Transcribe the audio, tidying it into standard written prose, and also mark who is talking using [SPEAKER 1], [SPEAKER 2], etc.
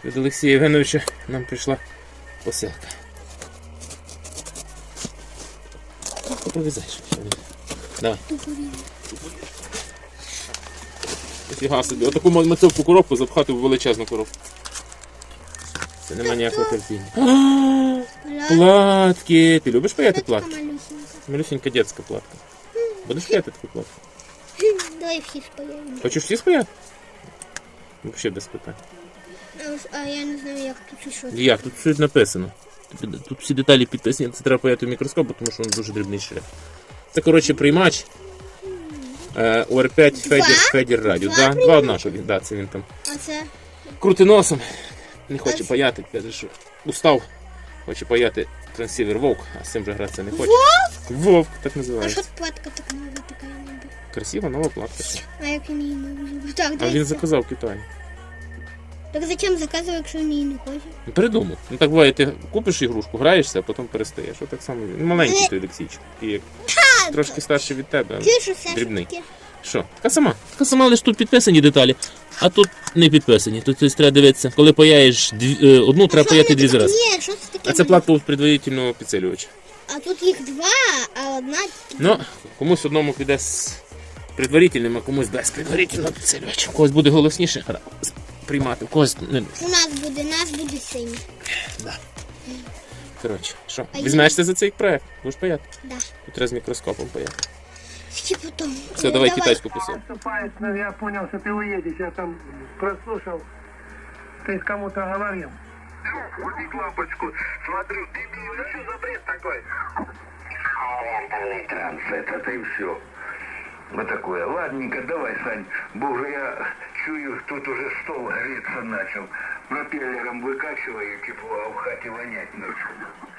[SPEAKER 1] від Олексія Євгеновича нам прийшла посилка. Повізай, що не. Давай. Фіга собі. Отаку мацьовку коробку запхати в величезну коробку. Це нема ніякого терпіння. Платки! Ти любиш паяти платки? Малюсенька дитяча платка. Будеш паяти таку платку?
[SPEAKER 2] Давай всі спаяємо.
[SPEAKER 1] Хочеш всі спаяти? Взагалі без питань.
[SPEAKER 2] А я не знаю, як тут і що.
[SPEAKER 1] Як? Тут все написано. Тут всі деталі підписані, це треба паяти в мікроскоп, тому що він дуже дрібний шрифт. Це, коротше, приймач ОР5 Федір Радіо. Два однакові, це він там.
[SPEAKER 2] А це?
[SPEAKER 1] Крути носом. Не хоче паяти, каже, що устав. Хоче паяти трансівер Вовк, а з цим же гратися не хоче.
[SPEAKER 2] Вовк?
[SPEAKER 1] Вовк, так
[SPEAKER 2] А
[SPEAKER 1] називається.
[SPEAKER 2] що платка так нова така ніби?
[SPEAKER 1] Красива нова платка.
[SPEAKER 2] А як він її не візьме? Так,
[SPEAKER 1] А він заказав в Китаї.
[SPEAKER 2] Так зачем заказувати, якщо він її не хоче?
[SPEAKER 1] Передумав. Ну так буває, ти купиш ігрушку, граєшся, а потім перестаєш. Отак само він. Маленький той Олексійчик. І як трошки старший від тебе, але дрібний. Що? Така сама, лише тут підписані деталі, а тут не підписані. Тут треба дивитися, коли паяєш одну, треба паяти дві зараз.
[SPEAKER 2] Ні, що це таке?
[SPEAKER 1] А це платка предварительного підсилювача.
[SPEAKER 2] А тут їх два, а одна...
[SPEAKER 1] Ну, комусь одному піде з предварительним, а комусь без предварительного підсилювача. У когось буде голосніше приймати, у когось не.
[SPEAKER 2] У нас буде синій.
[SPEAKER 1] Да. Коротше, що? Візьмешся за цей проект? Будеш паяти?
[SPEAKER 2] Да.
[SPEAKER 1] Тут треба з мікроскопом паяти.
[SPEAKER 2] Ще потім.
[SPEAKER 1] Все, давай китайську посилку.
[SPEAKER 3] Я понял, что ты уедешь, я там прослушал, ты с кому-то говорил.
[SPEAKER 4] Врубить лампочку, смотрю, дебил, что за бред такой? Ментальный транс, это и все. Вот такое. Ладненько, давай, Сань, бо уже я чую, тут уже стол греться начал. Пропеллером выкачиваю тепло, а в хате вонять начал.